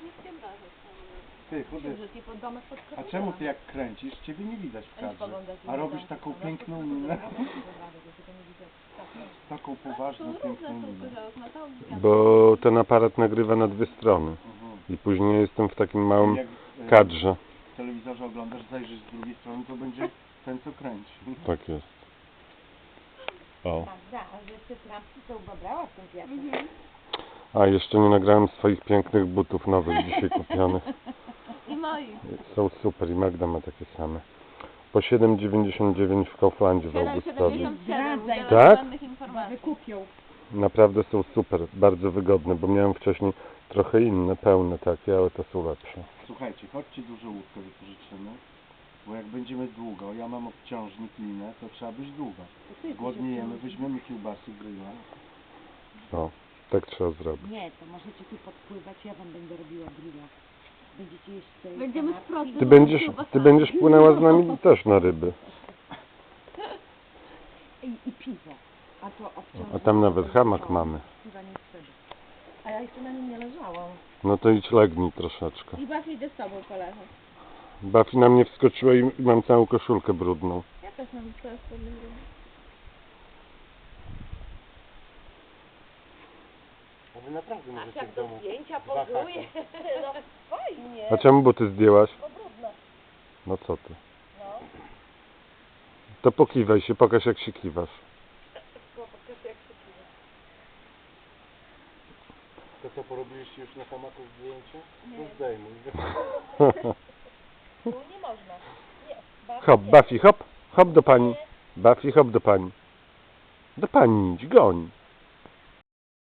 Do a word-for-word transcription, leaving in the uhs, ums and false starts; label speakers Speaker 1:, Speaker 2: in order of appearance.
Speaker 1: Ty, chudy. A czemu ty jak kręcisz, ciebie nie widać w kadrze, a robisz taką piękną minę? Taką poważną, piękną minę.
Speaker 2: Bo ten aparat nagrywa na dwie strony. I później jestem w takim małym kadrze.
Speaker 1: W telewizorze oglądasz, zajrzysz z drugiej strony, to będzie ten, co kręci.
Speaker 2: Tak jest. O.
Speaker 3: A że te trampki to ubabrała w tym piasek.
Speaker 2: A jeszcze nie nagrałem swoich pięknych butów nowych dzisiaj kupionych.
Speaker 4: I moich.
Speaker 2: Są super i Magda ma takie same. Po siedem dziewięćdziesiąt dziewięć w Kauflandzie w Augustowie. Tak?
Speaker 4: Żadnych informacji.
Speaker 3: Wykupią.
Speaker 2: Naprawdę są super, bardzo wygodne, bo miałem wcześniej trochę inne, pełne takie, ale to są lepsze.
Speaker 1: Słuchajcie, chodźcie dużo łódkę wypożyczymy, bo jak będziemy długo, ja mam obciążnik, linę, to trzeba być długo. Głodniejemy, weźmiemy kiełbasy, grilla.
Speaker 2: O, tak trzeba zrobić.
Speaker 3: Nie, to możecie tu podpływać, ja wam będę robiła grilla. Będziecie jeść sobie
Speaker 4: Będziemy
Speaker 3: kanapki.
Speaker 4: z procy.
Speaker 2: Ty będziesz, ty będziesz płynęła z nami też na ryby.
Speaker 3: I, i piwo. A to obciążnik.
Speaker 2: A tam nawet hamak mamy.
Speaker 3: Chyba nie wtedy. A ja jeszcze na nim nie leżałam.
Speaker 2: No to idź legnij troszeczkę.
Speaker 4: I Buffy idę z tobą poleżeć.
Speaker 2: Buffy na mnie wskoczyła i i mam całą koszulkę brudną.
Speaker 4: Ja też mam teraz spodnie brudne.
Speaker 1: A wy naprawdę
Speaker 3: A
Speaker 1: możecie
Speaker 3: jak
Speaker 1: w
Speaker 3: do
Speaker 1: domu...
Speaker 3: zdjęcia
Speaker 1: dwa
Speaker 3: pozuje. No fajnie.
Speaker 2: A czemu buty zdjęłaś?
Speaker 3: No brudno.
Speaker 2: No co ty?
Speaker 3: No.
Speaker 2: To pokiwaj się, pokaż jak się kiwasz.
Speaker 3: Pokaż jak się kiwa.
Speaker 1: To co, porobiliście już na hamaku zdjęcie?
Speaker 3: Nie.
Speaker 1: To zdejmuj.
Speaker 3: Tu nie można. Nie. Bardzo
Speaker 2: Hop,
Speaker 3: nie.
Speaker 2: Buffy, hop, hop do pani. Buffy, hop do pani. Do pani idź, goń.